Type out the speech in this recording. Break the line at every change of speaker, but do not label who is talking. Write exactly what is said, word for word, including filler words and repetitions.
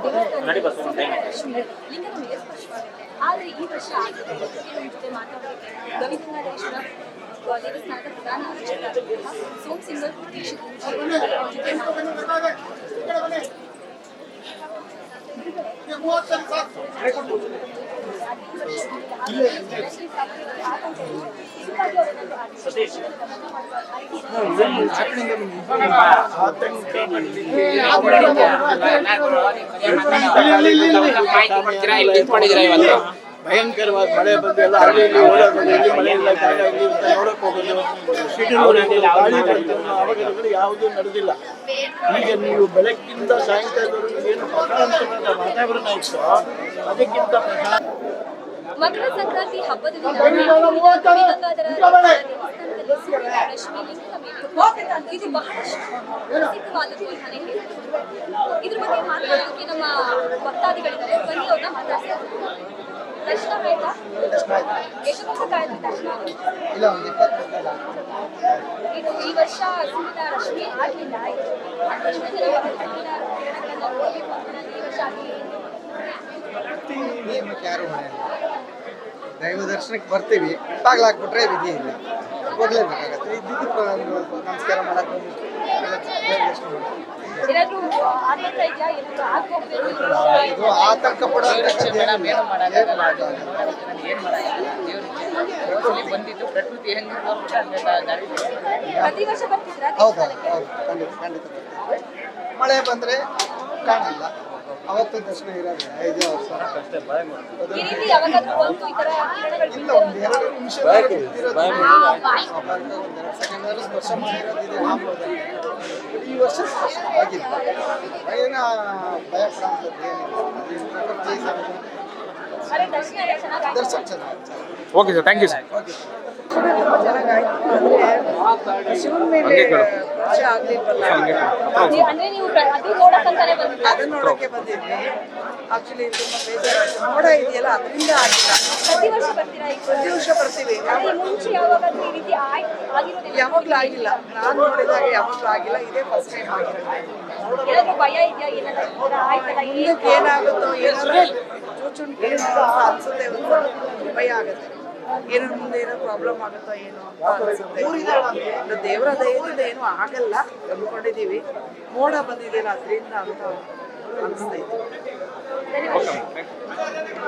ದೇವಸ್ಥಾನದಲ್ಲಿ ಲಿಂಗದ ಮೇಲೆ ಸ್ಪರ್ಶವಾಗುತ್ತೆ. ಆದರೆ ಈ ವರ್ಷ ಆಗಿದೆ ನಮ್ಮ ಜೊತೆ ಮಾತಾಡೋದಕ್ಕೆ ಗವಿಗಂಗಾಧರೇಶ್ವರ ದೇವಸ್ಥಾನದ ಪ್ರಧಾನ ಅರ್ಚಕರಾದಂತಹ ಸೋಮ್ ಸಿಂಗಲ್ ದೀಕ್ಷಿತರು ಅವ್ರ ಜೊತೆ ಮಾತಾಡೋದಕ್ಕೆ
ಭಯಂಕರವಾದ ಮಳೆ ಬಂದು ಎಲ್ಲ ಹಳ್ಳಿಯಲ್ಲಿ ಓಡೋದು, ಎಲ್ಲಿ ಮಳೆ ಇಲ್ಲ ಜಾಗ ಇಲ್ಲಿ ಅಂತ ನೋಡಕ್ ಹೋಗೋದು, ಅವಘಡಗಳು ಯಾವುದೂ ನಡೆದಿಲ್ಲ. ಈಗ ನೀವು ಬೆಳಗ್ಗಿಂದ ಸಾಯಂಕಾಲದವರೆಗೂ ಏನು ಪ್ರಶಾಂತವಾದ ವಾತಾವರಣ ಇತ್ತು, ಅದಕ್ಕಿಂತ
ಮಕರ ಸಂಕ್ರಾಂತಿ ಹಬ್ಬದ ದಿನ ಗವಿಗಂಗಾಧರ ದೇವಸ್ಥಾನದಲ್ಲಿ ರಶ್ಮಿ ಲಿಂಗದ ಮೇಲೆ ಇದು ಬಹಳಷ್ಟು ಪ್ರಸಿದ್ಧವಾದದ್ದು ಅಂತಾನೆ ಹೇಳ್ಬೋದು. ಇದ್ರ ಬಗ್ಗೆ ಮಾತಾಡೋದಕ್ಕೆ ನಮ್ಮ ಭಕ್ತಾದಿಗಳಿದ್ದಾರೆ. ಬನ್ನಿ ಅವ್ರನ್ನ ಮಾತಾಡ್ತಾರೆ. ದರ್ಶನ ಆಯ್ತಾ? ಎಷ್ಟು ವರ್ಷ ಕಾಯ್ತು ದರ್ಶನ? ಇದು ಈ ವರ್ಷ ಸೂರ್ಯನ ರಶ್ಮಿ ಆಗಲಿಲ್ಲ. ಎಷ್ಟು ಜನ ಸೂರ್ಯನ ಕಿರಣಗಳನ್ನ ನೋಡಬೇಕು ಅಂತ ಈ ವರ್ಷ ಆಗಲಿಲ್ಲ.
ನಿಯಮಕ್ಕೆ ಯಾರು ಮನೆಯಲ್ಲ. ದೈವ ದರ್ಶನಕ್ಕೆ ಬರ್ತೀವಿ, ಬಾಗ್ಲಾಕ್ಬಿಟ್ರೆ ವಿಧಿ ಇಲ್ಲ, ಹೋಗ್ಲೇಬೇಕಾಗತ್ತೆ. ಇದ್ದಿದ್ದು ನಮಸ್ಕಾರ ಮಾಡಕ್ಕೆ
ಏನಾದ್ರೂ ಆತಂಕ ಇದೆಯಾ? ಏನಾದ್ರೂ ಆಗ್ಬೇಕು
ಇದು ಆತಂಕ ಪಡುವಂತ
ಪ್ರತಿ ವರ್ಷ ಬರ್ತಿದ್ರಾ?
ಹೌದಾ? ಹೌದು, ಖಂಡಿತ ಖಂಡಿತ. ಮಳೆ ಬಂದ್ರೆ ಕಾಣಲ್ಲ, ಅವತ್ತು ದರ್ಶನ ಇರೋದು ಐದು ವರ್ಷ
ಈ ರೀತಿ ಯಾವಾಗಾದ್ರೂ ಬಂತು ಈ ತರ ಕಿರಣಗಳು
ಇಲ್ಲ. ಒಂದು ಎರಡು ನಿಮಿಷ ಒಂದೆರಡು ಸೆಕೆಂಡ್ ಸ್ಪರ್ಶ ಮಾಡಿರೋದಿದೆ. ಈ ವರ್ಷ ಸ್ಪರ್ಶ ಆಗಿಲ್ಲ, ಏನ ಭಯ ಪಡುವಂಥದ್ದು ಏನಿಲ್ಲ.
ಅರೆ ದರ್ಶನ ಎಲ್ಲ ಚೆನ್ನಾಗಿ
ದರ್ಶನ ಚೆನ್ನಾಗಿ.
Okay sir, thank you sir.
Okay
ಶಿವನ ಮೇಲೆ ಪೂಜೆ ಆಗ್ಲಿಲ್ವಲ್ಲ,
ಅಂದ್ರೆ ನೀವು ಅದು ನೋಡಕ್ಕಂತಾನೆ ಬಂದಿದ್ದೀರಾ?
ಅದನ್ನ ನೋಡಕ್ಕೆ ಬಂದಿದ್ವಿ. ಆಕ್ಚುಲಿ ತುಂಬಾ ಬೇಜಾರಾಯ್ತು. ಮೋಡ ಇದೆಯಲ್ಲ ಅದರಿಂದ ಆಗಿಲ್ಲ.
ಪ್ರತಿ ವರ್ಷ ಬರ್ತೀರಾ? ಈಗ
ಪ್ರತಿ ವರ್ಷ ಬರ್ತೀವಿ.
ಅದೇ ಮುಂಚೆ ಯಾವಾಗಾದ್ರೂ ಈ ರೀತಿ ಆಯ್ ಆಗಿರೋದಿಲ್ಲ?
ಯಾವಾಗ್ಲೂ ಆಗಿಲ್ಲ. ನಾನು ನೋಡಿದಾಗ ಯಾವಾಗ್ಲೂ ಆಗಿಲ್ಲ. ಇದೇ ಫಸ್ಟ್ ಟೈಮ್ ಆಗಿರೋದು.
ಏನಾದ್ರೂ ಭಯ ಇದೆಯಾ? ಏನಾದ್ರೂ ಈ ತರ ಆಯ್ತಲ್ಲ
ಮುಂದಕ್ಕೆ ಏನಾಗುತ್ತೋ ಏನಾದ್ರು ಚೂಚುಂಟಿ ಅಂತ ಅನ್ಸುತ್ತೆ. ಒಂದು ಭಯ ಆಗುತ್ತೆ, ಏನಾದ್ರು ಮುಂದೆ ಏನೋ ಪ್ರಾಬ್ಲಮ್ ಆಗುತ್ತೋ ಏನೋ ಅಂತ ಅನ್ಸುತ್ತೆ. ದೇವರ ದಯದಿಂದ ಏನೂ ಆಗಲ್ಲ ಅಂದ್ಕೊಂಡಿದೀವಿ. ಮೋಡ ಬಂದಿದೆಯಲ್ಲ ಅದರಿಂದ ಅಂತ ಅನಿಸ್ತೈತೆ.